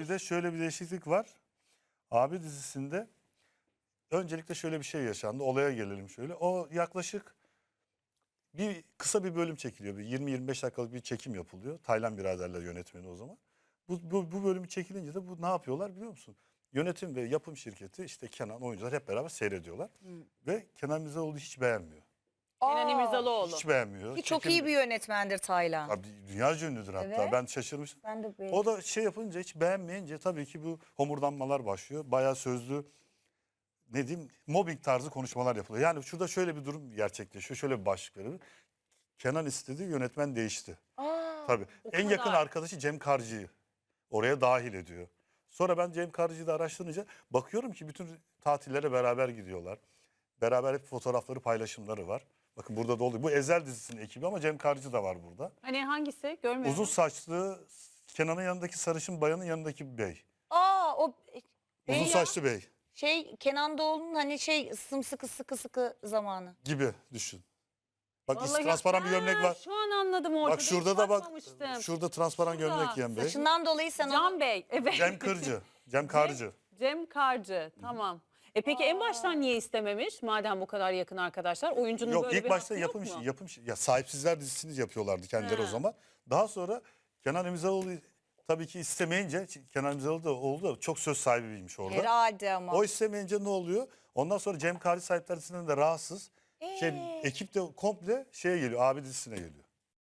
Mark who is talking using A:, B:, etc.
A: bir de şöyle bir değişiklik var. Abi dizisinde öncelikle şöyle bir şey yaşandı. Olaya gelelim şöyle. O yaklaşık kısa bir bölüm çekiliyor. Bir 20-25 dakikalık bir çekim yapılıyor. Taylan biraderler yönetmeni o zaman. Bu bölümü çekilince de bu ne yapıyorlar biliyor musun? Yönetim ve yapım şirketi işte Kenan oyuncular hep beraber seyrediyorlar. Ve Kenan İmirzalıoğlu hiç beğenmiyor.
B: Kenan İmirzalıoğlu.
A: Hiç beğenmiyor.
B: Ki çok iyi bir yönetmendir Taylan.
A: Abi, dünyaca ünlüdür hatta.
B: Evet.
A: Ben şaşırmıştım.
B: Ben de
A: O da şey yapınca hiç beğenmeyince tabii ki bu homurdanmalar başlıyor. Bayağı sözlü ne diyeyim mobbing tarzı konuşmalar yapılıyor. Yani şurada şöyle bir durum gerçekleşiyor. Şöyle bir başlık verelim. Kenan istedi, yönetmen değişti. Tabii. En
B: kadar.
A: yakın arkadaşı Cem Karcı'yı oraya dahil ediyor. Sonra ben Cem Karcı'yı da araştırınca bakıyorum ki bütün tatillere beraber gidiyorlar. Beraber hep fotoğrafları, paylaşımları var. Bakın burada da oluyor. Bu Ezel dizisinin ekibi ama Cem Karcı da var burada.
B: Hani hangisi? Görmüyorum.
A: Uzun saçlı Kenan'ın yanındaki sarışın bayanın yanındaki bey.
B: O
A: Uzun
B: ya.
A: saçlı bey
B: Kenan Doğulu'nun hani sımsıkı sıkı zamanı.
A: gibi düşün. Bak
B: Vallahi
A: transparan bir gömlek var.
B: Şu an anladım ortada.
A: Bak şurada
B: Hiç
A: da bak.
B: bakmamıştım.
A: Şurada transparan
B: Şurada.
A: gömlek giyen bey.
B: Saçından dolayı sen
C: Can Bey. Evet.
A: Cem Kırcı. Cem Karcı.
C: Cem Karcı. Tamam. Peki en baştan niye istememiş? Madem bu kadar yakın arkadaşlar. Oyuncunun
A: Yok
C: böyle
A: ilk
C: bir
A: başta
C: hakkı yok mu?
A: ya Sahipsizler dizisini yapıyorlardı kendileri o zaman. Daha sonra Kenan İmirzalıoğlu tabii ki istemeyince Kenan İmirzalıoğlu da çok söz sahibiymiş orada.
B: herhalde ama.
A: O istemeyince ne oluyor? Ondan sonra Cem Karcı sahipler dizisinden de rahatsız. Ekip de komple şeye geliyor, abi dizisine geliyor.